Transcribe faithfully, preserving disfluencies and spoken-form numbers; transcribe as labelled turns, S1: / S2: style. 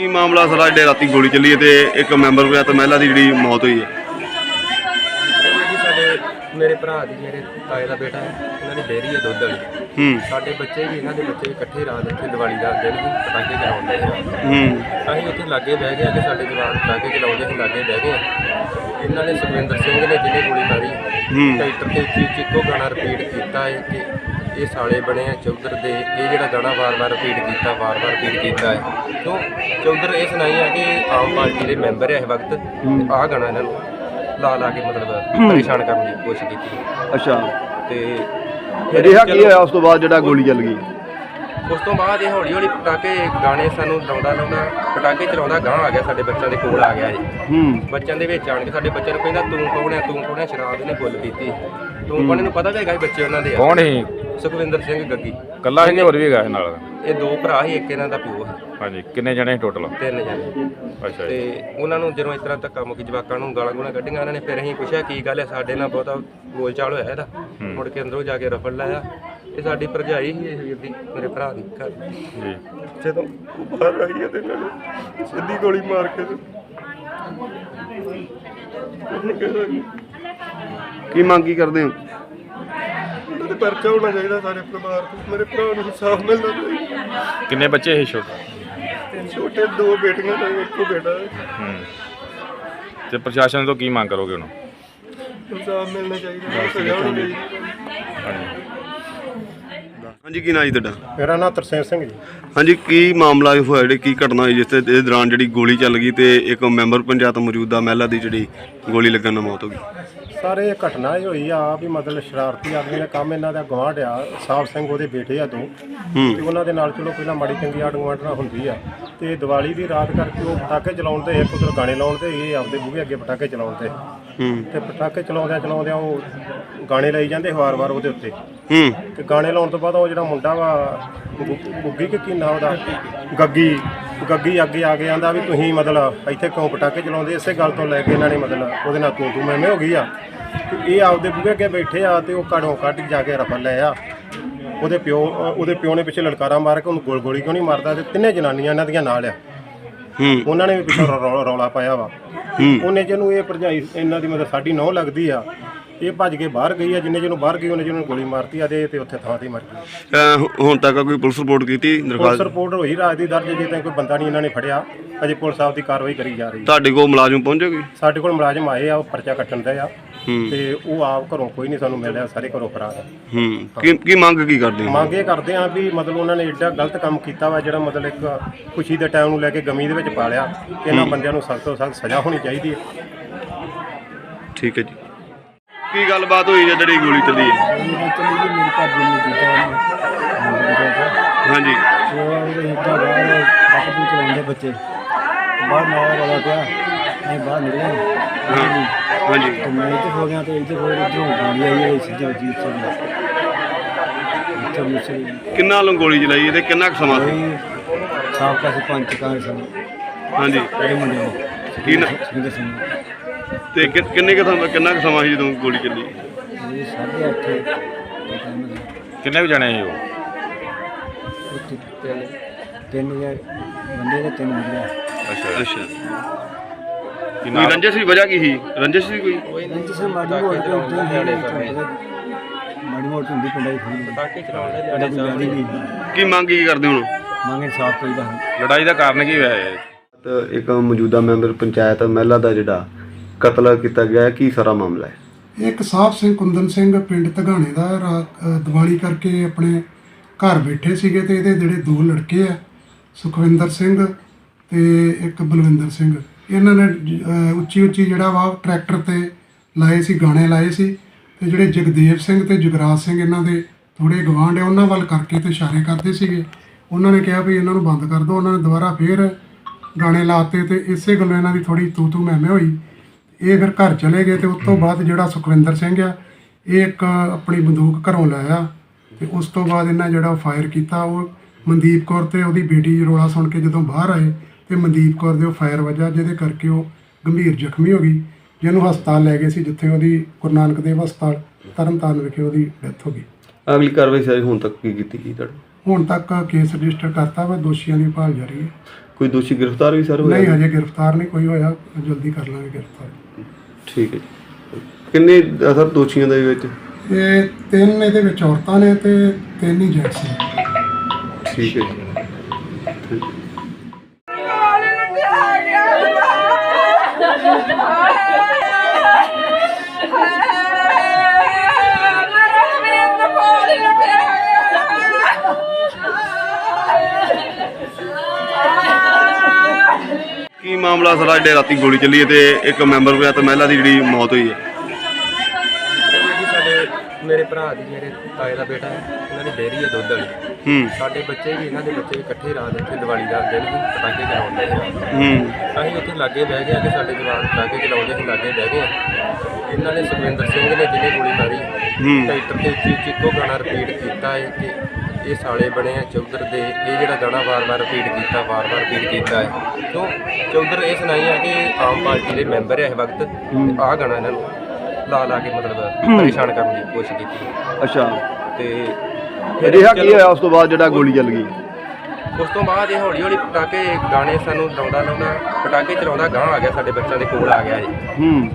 S1: ਕੀ ਮਾਮਲਾ ਸਾਰਾ ਜਿਹੜੇ ਰਾਤੀ ਗੋਲੀ ਚੱਲੀ ਹੈ ਤੇ ਇੱਕ ਮੈਂਬਰ ਪੰਚਾਇਤ ਮਹਿਲਾ ਦੀ ਜਿਹੜੀ ਮੌਤ ਹੋਈ ਹੈ?
S2: ਜੀ ਸਾਡੇ ਮੇਰੇ ਭਰਾ ਦੀ ਮੇਰੇ ਤਾਏ ਦਾ ਬੇਟਾ ਹੈ, ਉਹਨਾਂ ਦੀ ਡੇਅਰੀ ਹੈ ਦੁੱਧ ਵਾਲੀ।
S1: ਹੂੰ
S2: ਸਾਡੇ ਬੱਚੇ ਵੀ ਇਹਨਾਂ ਦੇ ਬੱਚੇ ਵੀ ਇਕੱਠੇ ਰਾਤ ਇੱਥੇ ਦੀਵਾਲੀ ਦਾ ਦਿਨ ਵੀ ਪਟਾਕੇ ਚਲਾਉਂਦੇ ਆ।
S1: ਹੂੰ
S2: ਅਸੀਂ ਉੱਥੇ ਲਾਗੇ ਬਹਿ ਗਏ ਕਿ ਸਾਡੇ ਜਵਾਨ ਪਟਾਕੇ ਚਲਾਉਂਦੇ ਸੀ, ਲਾਗੇ ਬਹਿ ਗਏ। ਇਹਨਾਂ ਨੇ ਸੁਖਵਿੰਦਰ ਸਿੰਘ ਨੇ ਜਿਹਨੇ ਗੋਲੀ ਮਾਰੀ ਟਰੈਕਟਰ ਦੇ ਉੱਚੀ ਉੱਚੀ ਇੱਕੋ ਗਾਣਾ ਰਿਪੀਟ ਕੀਤਾ ਹੈ ਕਿ ਇਹ ਸਾਲੇ ਬਣੇ ਆ ਚੌਧਰ ਦੇ। ਇਹ ਜਿਹੜਾ ਗਾਣਾ ਵਾਰ-ਵਾਰ ਰਿਪੀਟ ਕੀਤਾ ਵਾਰ-ਵਾਰ ਰਿਪੀਟ ਕੀਤਾ ਹੈ ਕਿਉਂ ਚੌਧਰ ਇਹ ਸੁਣਾਈ ਆ ਕਿ ਆਮ ਪਾਰਟੀ ਦੇ ਮੈਂਬਰ ਹੈ ਇਸ ਵਕਤ, ਤੇ ਆਹ ਗਾਣਾ ਇਹਨਾਂ ਨੂੰ ਲਾ ਲਾ ਕੇ ਮਤਲਬ ਪਰੇਸ਼ਾਨ ਕਰਨ ਦੀ ਕੋਸ਼ਿਸ਼ ਕੀਤੀ।
S1: ਅੱਛਾ,
S2: ਤੇ
S1: ਰਿਹਾ ਕੀ ਹੋਇਆ ਉਸ ਤੋਂ ਬਾਅਦ ਜਿਹੜਾ ਗੋਲੀ ਚੱਲ ਗਈ?
S2: ਉਸ ਤੋਂ ਬਾਅਦ ਇਹ ਹੌਲੀ ਹੌਲੀ ਪਟਾਕੇ ਗਾਣੇ ਸਾਨੂੰ ਲਾਉਂਦਾ ਲਾਉਂਦਾ ਪਟਾਕੇ ਚਲਾਉਂਦਾ ਗਾਂ ਆ ਗਿਆ, ਸਾਡੇ ਬੱਚਿਆਂ ਦੇ ਕੋਲ ਆ ਗਿਆ ਜੀ।
S1: ਹੂੰ
S2: ਬੱਚਿਆਂ ਦੇ ਵਿੱਚ ਆਣ ਕੇ ਸਾਡੇ ਬੱਚਿਆਂ ਨੂੰ ਕਹਿੰਦਾ ਤੂੰ ਕੌਣ ਹੈ ਤੂੰ ਕੌਣ ਹੈ, ਸ਼ਰਾਬ ਇਹਨੇ ਫੁੱਲ ਪੀਤੀ। ਤੂੰ ਕੌਣ, ਇਹਨੂੰ ਪਤਾ ਵੀ ਹੈਗਾ ਬੱਚੇ ਉਹਨਾਂ ਦੇ ਆ।
S3: ਕੌਣ ਸੀ?
S2: ਸੁਖਵਿੰਦਰ ਸਿੰਘ ਗੱਗੀ
S3: ਕੱਲਾ ਹੀ ਹੋਰ ਵੀ ਹੈਗਾ ਨਾਲ?
S2: ਇਹ ਦੋ ਭਰਾ ਸੀ, ਇੱਕ ਇਹਨਾਂ ਦਾ ਪਿਓ ਹੈ।
S3: ਹਾਂਜੀ, ਕਿੰਨੇ ਜਣੇ ਟੋਟਲ?
S2: ਤਿੰਨ ਜਣੇ।
S3: ਅੱਛਾ ਜੀ।
S2: ਤੇ ਉਹਨਾਂ ਨੂੰ ਜਦੋਂ ਇਸ ਤਰ੍ਹਾਂ ਧੱਕਾ ਮੁੱਕੀ ਜਵਾਕਾਂ ਨੂੰ ਗਾਲਾਂ ਗੂਲਾਂ ਕੱਢੀਆਂ ਇਹਨਾਂ ਨੇ, ਫਿਰ ਅਸੀਂ ਪੁੱਛਿਆ ਕੀ ਗੱਲ ਹੈ, ਸਾਡੇ ਨਾਲ ਬਹੁਤਾ ਬੋਲਚਾਲ ਹੋਇਆ ਇਹਦਾ। ਮੁੜ ਕੇ ਅੰਦਰੋਂ ਜਾ ਕੇ ਰਫਲ ਲਾਇਆ। ਇਹ ਸਾਡੀ ਭਰਜਾਈ ਸੀ ਇਸ ਵੀਰ ਦੀ, ਮੇਰੇ ਭਰਾ ਦੀ ਘਰ
S3: ਜੀ।
S2: ਜਦੋਂ ਬਾਹਰ ਆਈ ਹੈ ਤੇ ਇਹਨਾਂ ਨੇ ਸਿੱਧੀ ਗੋਲੀ ਮਾਰ ਕੇ
S1: ਕੀ ਮੰਗ ਕੀ ਕਰਦੇ ਹੋ?
S2: ਉਹਨਾਂ ਦੇ ਪਰਚਾ ਹੋਣਾ ਚਾਹੀਦਾ ਸਾਰੇ ਪਰਿਵਾਰ ਤੋਂ। ਮੇਰੇ ਭਰਾ ਨੂੰ ਇਨਸਾਫ ਮਿਲਣਾ ਚਾਹੀਦਾ।
S3: ਕਿੰਨੇ ਬੱਚੇ ਸੀ ਛੋਟੇ?
S2: ਛੋਟੇ ਦੋ ਬੇਟੀਆਂ ਤੇ ਇੱਕੋ ਬੇਟਾ ਹੈ।
S3: ਹੂੰ ਤੇ ਪ੍ਰਸ਼ਾਸਨ ਤੋਂ ਕੀ ਮੰਗ ਕਰੋਗੇ ਹੁਣ?
S2: ਇਨਸਾਫ ਮਿਲਣਾ ਚਾਹੀਦਾ, ਸਜ਼ਾ ਹੋਣੀ ਚਾਹੀਦੀ।
S3: ਹਾਂਜੀ
S1: ਹਾਂਜੀ, ਕੀ ਨਾਂ ਜੀ ਤੁਹਾਡਾ?
S4: ਮੇਰਾ ਨਾਮ ਤਰਸੇਮ ਸਿੰਘ ਜੀ।
S1: ਹਾਂਜੀ, ਕੀ ਮਾਮਲਾ ਹੋਇਆ ਜਿਹੜੀ ਕੀ ਘਟਨਾ ਹੋਈ ਜਿਸ ਤੇ ਇਸ ਦੌਰਾਨ ਜਿਹੜੀ ਗੋਲੀ ਚੱਲ ਗਈ ਤੇ ਇੱਕ ਮੈਂਬਰ ਪੰਚਾਇਤ ਮੌਜੂਦਾ ਮਹਿਲਾ ਦੀ ਜਿਹੜੀ ਗੋਲੀ ਲੱਗਣ ਨਾਲ ਮੌਤ ਹੋ ਗਈ?
S4: ਸਾਰੇ ਇਹ ਘਟਨਾ ਹੀ ਹੋਈ ਆ ਵੀ ਮਤਲਬ ਸ਼ਰਾਰਤੀ ਆਦਮੀ ਦਾ ਕੰਮ। ਇਹਨਾਂ ਦਾ ਗੁਆਂਢ ਆ ਸਾਹਿਬ ਸਿੰਘ, ਉਹਦੇ ਬੇਟੇ ਆ ਦੋ, ਤੇ ਉਹਨਾਂ ਦੇ ਨਾਲ ਚਲੋ ਪਹਿਲਾਂ ਮਾੜੀ ਚੰਗੀ ਆੜ ਗੁਆਂਢ ਨਾਲ ਹੁੰਦੀ ਆ। ਤੇ ਦੀਵਾਲੀ ਦੀ ਰਾਤ ਕਰਕੇ ਉਹ ਪਟਾਕੇ ਚਲਾਉਣ ਤੇ ਇੱਕ ਉਧਰ ਗਾਣੇ ਲਾਉਣ ਤੇ ਇਹ ਆਪਦੇ ਬੂਹੇ ਅੱਗੇ ਪਟਾਕੇ ਚਲਾਉਣ ਤੇ ਤੇ ਪਟਾਕੇ ਚਲਾਉਂਦਿਆਂ ਚਲਾਉਂਦਿਆਂ ਉਹ ਗਾਣੇ ਲਾਈ ਜਾਂਦੇ ਵਾਰ-ਵਾਰ ਉਹਦੇ ਉੱਤੇ। ਤੇ ਗਾਣੇ ਲਾਉਣ ਤੋਂ ਬਾਅਦ ਉਹ ਜਿਹੜਾ ਮੁੰਡਾ ਵਾ ਗੁੱਗੀ ਕਿ ਕੀ ਨਾਂ ਉਹਦਾ, ਗੱਗੀ ਗੱਗੀ ਅੱਗੇ ਆ ਕੇ ਆਂਦਾ ਵੀ ਤੁਸੀਂ ਮਤਲਬ ਇੱਥੇ ਕਿਉਂ ਪਟਾਕੇ ਚਲਾਉਂਦੇ। ਇਸੇ ਗੱਲ ਤੋਂ ਲੈ ਕੇ ਇਹਨਾਂ ਨੇ ਮਤਲਬ ਉਹਦੇ ਨਾਲ ਤੂੰ ਤੂੰ ਮੈਂ ਹੋ ਗਈ ਆ। ਤੇ ਇਹ ਆਪਦੇ ਬੂਹੇ ਅੱਗੇ ਬੈਠੇ ਆ ਤੇ ਉਹ ਘੜੋਂ ਕੱਢ ਜਾ ਕੇ ਰਫਲ ਲੈ ਆ। ਉਹਦੇ ਪਿਓ ਉਹਦੇ ਪਿਓ ਨੇ ਪਿੱਛੇ ਲਲਕਾਰਾ ਮਾਰ ਕੇ ਉਹਨੂੰ ਗੋਲ ਗੋਲੀ ਕਿਉਂ ਨਹੀਂ ਮਾਰਦਾ। ਤੇ ਤਿੰਨੇ ਜਨਾਨੀਆਂ ਇਹਨਾਂ ਦੀਆਂ ਨਾਲ ਆ, ਉਹਨਾਂ ਨੇ ਵੀ ਪਿੱਛੋਂ ਰੌਲਾ ਪਾਇਆ ਵਾ। ਉਹਨੇ ਜਿਹਨੂੰ ਇਹ ਭਰਜਾਈ ਇਹਨਾਂ ਦੀ ਮਤਲਬ ਸਾਡੀ ਨਹੁੰ ਲੱਗਦੀ ਆ, ਇਹ ਭੱਜ ਕੇ ਬਾਹਰ ਗਈ ਆ। ਜਿੰਨੇ ਜਿਹਨੂੰ ਬਾਹਰ ਗਈ ਉਹਨੇ ਜਿਹਨੂੰ ਗੋਲੀ ਮਾਰਤੀ ਆ ਤੇ ਉੱਥੇ ਥਾਂ ਤੇ ਮਰ ਗਈ।
S1: ਹੁਣ ਤੱਕ ਕੋਈ ਪੁਲਿਸ ਰਿਪੋਰਟ ਕੀਤੀ?
S4: ਪੁਲਿਸ ਰਿਪੋਰਟ ਹੋਈ ਰਾਤ ਦੀ ਦਰਜ, ਜੇ ਤਾਂ ਕੋਈ ਬੰਦਾ ਨਹੀਂ ਇਹਨਾਂ ਨੇ ਫੜਿਆ। ਅਜੇ ਪੁਲਿਸ ਆਪ ਦੀ ਕਾਰਵਾਈ ਕਰੀ ਜਾ ਰਹੀ।
S1: ਤੁਹਾਡੇ ਕੋਲ ਮੁਲਾਜ਼ਮ ਪਹੁੰਚੇ ਕੋਈ?
S4: ਸਾਡੇ ਕੋਲ ਮੁਲਾਜ਼ਮ ਆਏ ਆ, ਉਹ ਪਰਚਾ ਕੱਟਣ ਦਾ ਆ। ਤੇ ਉਹ ਆਪ ਘਰੋਂ ਕੋਈ ਨਹੀਂ ਸਾਨੂੰ ਮਿਲਿਆ, ਸਾਰੇ ਘਰੋਂ ਫਰਾਰ ਆ।
S1: ਹੂੰ ਕੀ ਕੀ ਮੰਗ ਕੀ ਕਰਦੇ ਹੋ?
S4: ਮੰਗ ਇਹ ਕਰਦੇ ਆ ਵੀ ਮਤਲਬ ਉਹਨਾਂ ਨੇ ਏਡਾ ਗਲਤ ਕੰਮ ਕੀਤਾ ਵਾ, ਜਿਹੜਾ ਮਤਲਬ ਇੱਕ ਖੁਸ਼ੀ ਦੇ ਟਾਈਮ ਨੂੰ ਲੈ ਕੇ ਗਮੀ ਦੇ ਵਿੱਚ ਪਾ ਲਿਆ। ਇਹਨਾਂ ਬੰਦਿਆਂ ਨੂੰ ਸਖਤ ਤੋਂ ਸਖਤ ਸਜ਼ਾ ਹੋਣੀ ਚਾਹੀਦੀ ਹੈ।
S1: ਠੀਕ ਹੈ ਜੀ। ਕੀ ਗੱਲਬਾਤ ਹੋਈ ਹੈ ਜਿਹੜੀ ਗੋਲੀ ਚੱਲੀ ਹੈ? ਹਾਂਜੀ
S4: ਚਲਾਉਂਦੇ ਬੱਚੇ ਬਾਹਰ ਮਾਇਆ ਵਾਲਾ ਪਿਆ, ਅਸੀਂ ਬਾਹਰ ਨਿਕਲੇ।
S1: ਹਾਂਜੀ
S4: ਤੇ ਮੈਂ ਇੱਥੇ ਹੋ ਗਿਆ ਤੇ ਇੱਥੇ ਹੋਏ ਇੱਧਰੋਂ ਗੋਲੀ ਆਈ ਹੈ ਸਿੱਧਾ ਜੀ ਉੱਥੇ।
S1: ਕਿੰਨਾ ਲੋਕ ਗੋਲੀ ਚਲਾਈ ਤੇ ਕਿੰਨਾ ਕੁ ਸਮਾਂ ਸੀ?
S4: ਸਾਬਕਾ ਸਰਪੰਚ ਕਾਂ ਸਨ।
S1: ਹਾਂਜੀ,
S4: ਕਿਹੜੇ ਮੁੰਡੇ ਨੇ
S1: ਕੀ ਨਾ
S4: ਸੁਖਿੰਦਰ ਸਿੰਘ
S1: ਤੇ ਕਿ- ਕਿੰਨੇ ਕੁ ਸਮਾਂ ਕਿੰਨਾ ਕੁ ਸਮਾਂ ਸੀ ਜਦੋਂ ਗੋਲੀ ਚੱਲੀ?
S4: ਇਹ ਸਾਢੇ ਅੱਠ ਦੇ ਟਾਈਮ ਦਾ।
S3: ਕਿੰਨੇ ਵੀ ਜਣੇ ਸੀ ਉਹ?
S4: ਉੱਥੇ ਤਿੰਨ ਤਿੰਨ ਜਾਂ ਬੰਦੇ ਦੇ ਤਿੰਨ ਮੁੰਡੇ।
S1: ਅੱਛਾ ਅੱਛਾ।
S3: ਕੀ
S1: ਕੋਈ
S3: ਨਾਮ?
S1: ਰੰਜਿਸ਼ ਦੀ ਵਜ੍ਹਾ ਕੀ ਸੀ? ਰੰਜਿਸ਼ ਸੀ ਕੋਈ?
S4: ਰੰਜ ਸੇ ਮਾੜੀ ਮੋਟੀ ਮਾੜੀ ਮੋਟੀ ਹੁੰਦੀ ਪਿੰਡਾਂ ਦੀ ਥੋੜ੍ਹੀ
S2: ਪਟਾਕੇ ਚਲਾਉਣ
S4: ਸਾਡਾ ਕੋਈ ਜ਼ਿਆਦਾ ਨਹੀਂ
S1: ਕੀ ਮੰਗ ਕੀ ਕਰਦੇ ਹੁਣ?
S4: ਮੰਗੇ ਸਾਫ ਚਾਹੀਦਾ।
S3: ਲੜਾਈ ਦਾ ਕਾਰਨ ਕੀ ਹੋਇਆ ਹੈ?
S1: ਤੇ ਇੱਕ ਮੌਜੂਦਾ ਮੈਂਬਰ ਪੰਚਾਇਤ ਮਹਿਲਾ ਦਾ ਜਿਹੜਾ ਕਤਲ ਕੀਤਾ ਗਿਆ, ਕੀ ਸਾਰਾ ਮਾਮਲਾ ਹੈ?
S5: ਇੱਕ ਸਾਹਿਬ ਸਿੰਘ ਕੁੰਦਨ ਸਿੰਘ ਪਿੰਡ ਧਗਾਣੇ ਦਾ ਰਾਤ ਦੀਵਾਲੀ ਕਰਕੇ ਆਪਣੇ ਘਰ ਬੈਠੇ ਸੀਗੇ ਤੇ ਇਹਦੇ ਜਿਹੜੇ ਦੋ ਲੜਕੇ ਆ ਸੁਖਵਿੰਦਰ ਸਿੰਘ ਤੇ ਇੱਕ ਬਲਵਿੰਦਰ ਸਿੰਘ, ਇਹਨਾਂ ਨੇ ਉੱਚੀ ਉੱਚੀ ਜਿਹੜਾ ਵਾ ਟਰੈਕਟਰ ਤੇ ਲਾਏ ਸੀ, ਗਾਣੇ ਲਾਏ ਸੀ। ਤੇ ਜਿਹੜੇ ਜਗਦੇਵ ਸਿੰਘ ਤੇ ਜਗਰਾਜ ਸਿੰਘ ਇਹਨਾਂ ਦੇ ਥੋੜ੍ਹੇ ਗਵਾਂਢ ਆ, ਉਹਨਾਂ ਵੱਲ ਕਰਕੇ ਤੇ ਇਸ਼ਾਰੇ ਕਰਦੇ ਸੀਗੇ। ਉਹਨਾਂ ਨੇ ਕਿਹਾ ਵੀ ਇਹਨਾਂ ਨੂੰ ਬੰਦ ਕਰ ਦਿਓ। ਉਹਨਾਂ ਨੇ ਦੁਬਾਰਾ ਫੇਰ ਗਾਣੇ ਲਾਤੇ ਤੇ ਇਸੇ ਗੱਲੋਂ ਇਹਨਾਂ ਦੀ ਥੋੜ੍ਹੀ ਤੂ ਤੂ ਮੈਂ ਮੈਂ ਹੋਈ। ਇਹ ਫਿਰ ਘਰ ਚਲੇ ਗਏ ਤੇ ਉਸ ਤੋਂ ਬਾਅਦ ਜਿਹੜਾ ਸੁਖਵਿੰਦਰ ਸਿੰਘ ਆ, ਇਹ ਇੱਕ ਆਪਣੀ ਬੰਦੂਕ ਘਰੋਂ ਲਾਇਆ ਤੇ ਉਸ ਤੋਂ ਬਾਅਦ ਇਹਨਾਂ ਜਿਹੜਾ ਫਾਇਰ ਕੀਤਾ। ਉਹ ਮਨਦੀਪ ਕੌਰ ਤੇ ਉਹਦੀ ਬੇਟੀ ਰੌਲਾ ਸੁਣ ਕੇ ਜਦੋਂ ਬਾਹਰ ਆਏ ਤੇ ਮਨਦੀਪ ਕੌਰ ਦੇ ਉਹ ਫਾਇਰ ਵੱਜਾ, ਜਿਹਦੇ ਕਰਕੇ ਉਹ ਗੰਭੀਰ ਜ਼ਖਮੀ ਹੋ ਗਈ, ਜਿਹਨੂੰ ਹਸਪਤਾਲ ਲੈ ਗਏ ਸੀ, ਜਿੱਥੇ ਉਹਦੀ ਗੁਰੂ ਨਾਨਕ ਦੇਵ ਹਸਪਤਾਲ ਤਰਨਤਾਰਨ ਵਿਖੇ ਉਹਦੀ ਡੈਥ ਹੋ ਗਈ।
S1: ਅਗਲੀ ਕਾਰਵਾਈ ਸਾਰੀ ਹੁਣ ਤੱਕ ਕੀ ਕੀਤੀ ਗਈ ਤੁਹਾਡੀ?
S5: ਹੁਣ ਤੱਕ ਕੇਸ ਰਜਿਸਟਰ ਕਰਤਾ ਵਾ, ਦੋਸ਼ੀਆਂ ਦੀ ਭਾਲ ਜਾਰੀ ਹੈ।
S1: ਕੋਈ ਦੋਸ਼ੀ ਗ੍ਰਿਫਤਾਰ ਵੀ ਸਰ
S5: ਨਹੀਂ
S1: ਹੋਇਆ?
S5: ਹਜੇ ਗ੍ਰਿਫਤਾਰ ਨਹੀਂ ਕੋਈ ਹੋਇਆ, ਜਲਦੀ ਕਰ ਲਾਂਗੇ ਗ੍ਰਿਫਤਾਰ।
S1: ਠੀਕ ਹੈ ਜੀ। ਕਿੰਨੇ ਅ, ਸਰ ਦੋਸ਼ੀਆਂ ਦੇ ਵਿੱਚ?
S5: ਇਹ ਤਿੰਨ ਇਹਦੇ ਵਿੱਚ ਔਰਤਾਂ ਨੇ ਤੇ ਤਿੰਨ ਹੀ ਜੈਂਟਸ ਨੇ।
S1: ਠੀਕ ਹੈ ਜੀ। ਕੀ ਮਾਮਲਾ ਸਾਰਾ ਜਿਹੜੇ ਰਾਤੀ ਗੋਲੀ ਚੱਲੀ ਹੈ ਤੇ ਇੱਕ ਮੈਂਬਰ ਪੰਚਾਇਤ ਮਹਿਲਾ ਦੀ ਜਿਹੜੀ ਮੌਤ ਹੋਈ ਹੈ?
S2: ਇਹ ਜੀ ਸਾਡੇ ਮੇਰੇ ਭਰਾ ਦੀ, ਮੇਰੇ ਤਾਏ ਦਾ ਬੇਟਾ ਹੈ, ਉਹਨਾਂ ਦੀ ਡੇਅਰੀ ਹੈ ਦੁੱਧ ਵਾਲੀ।
S1: ਹੂੰ
S2: ਸਾਡੇ ਬੱਚੇ ਵੀ, ਇਹਨਾਂ ਦੇ ਬੱਚੇ ਵੀ ਇਕੱਠੇ ਰਾਤ ਇੱਥੇ ਦੀਵਾਲੀ ਦਾ ਦਿਨ ਵੀ ਪਟਾਕੇ ਚਲਾਉਂਦੇ ਸੀ।
S1: ਹੂੰ
S2: ਅਸੀਂ ਉੱਥੇ ਲਾਗੇ ਬਹਿ ਗਏ ਕਿ ਸਾਡੇ ਜਵਾਨ ਪਟਾਕੇ ਚਲਾਉਂਦੇ ਸੀ, ਲਾਗੇ ਬਹਿ ਗਏ। ਇਹਨਾਂ ਨੇ ਸੁਖਵਿੰਦਰ ਸਿੰਘ ਨੇ ਜਿਹਨੇ ਗੋਲੀ ਮਾਰੀ,
S1: ਹੂੰ।
S2: ਟਰੈਕਟਰ ਤੇ ਉੱਚੀ ਉੱਚੀ ਇੱਕੋ ਗਾਣਾ ਰਿਪੀਟ ਕੀਤਾ ਹੈ ਕਿ ਇਹ ਸਾਲੇ ਬਣੇ ਆ ਚੌਧਰ ਦੇ। ਇਹ ਜਿਹੜਾ ਗਾਣਾ ਵਾਰ-ਵਾਰ ਰਿਪੀਟ ਕੀਤਾ, ਵਾਰ-ਵਾਰ ਰਿਪੀਟ ਕੀਤਾ ਹੈ। ਕਿਉਂ ਚੌਧਰ ਇਹ ਸੁਣਾਈ ਹੈ ਕਿ ਆਮ ਪਾਰਟੀ ਦੇ ਮੈਂਬਰ ਹੈ ਇਸ ਵਕਤ, ਤੇ ਆਹ ਗਾਣਾ ਇਹਨਾਂ ਨੂੰ ਲਾ ਲਾ ਕੇ ਮਤਲਬ ਪਰੇਸ਼ਾਨ ਕਰਨ ਦੀ ਕੋਸ਼ਿਸ਼ ਕੀਤੀ।
S1: ਅੱਛਾ,
S2: ਤੇ
S1: ਰਿਹਾ ਕੀ ਹੋਇਆ ਉਸ ਤੋਂ ਬਾਅਦ ਜਿਹੜਾ ਗੋਲੀ ਚੱਲ ਗਈ?
S2: ਉਸ ਤੋਂ ਬਾਅਦ ਇਹ ਹੌਲੀ ਹੌਲੀ ਪਟਾਕੇ ਗਾਣੇ ਸਾਨੂੰ ਲਾਉਂਦਾ ਲਾਉਂਦਾ ਪਟਾਕੇ ਚਲਾਉਂਦਾ ਗਾਂ ਆ ਗਿਆ, ਸਾਡੇ ਬੱਚਿਆਂ ਦੇ ਕੋਲ ਆ ਗਿਆ ਇਹ।
S1: ਹੂੰ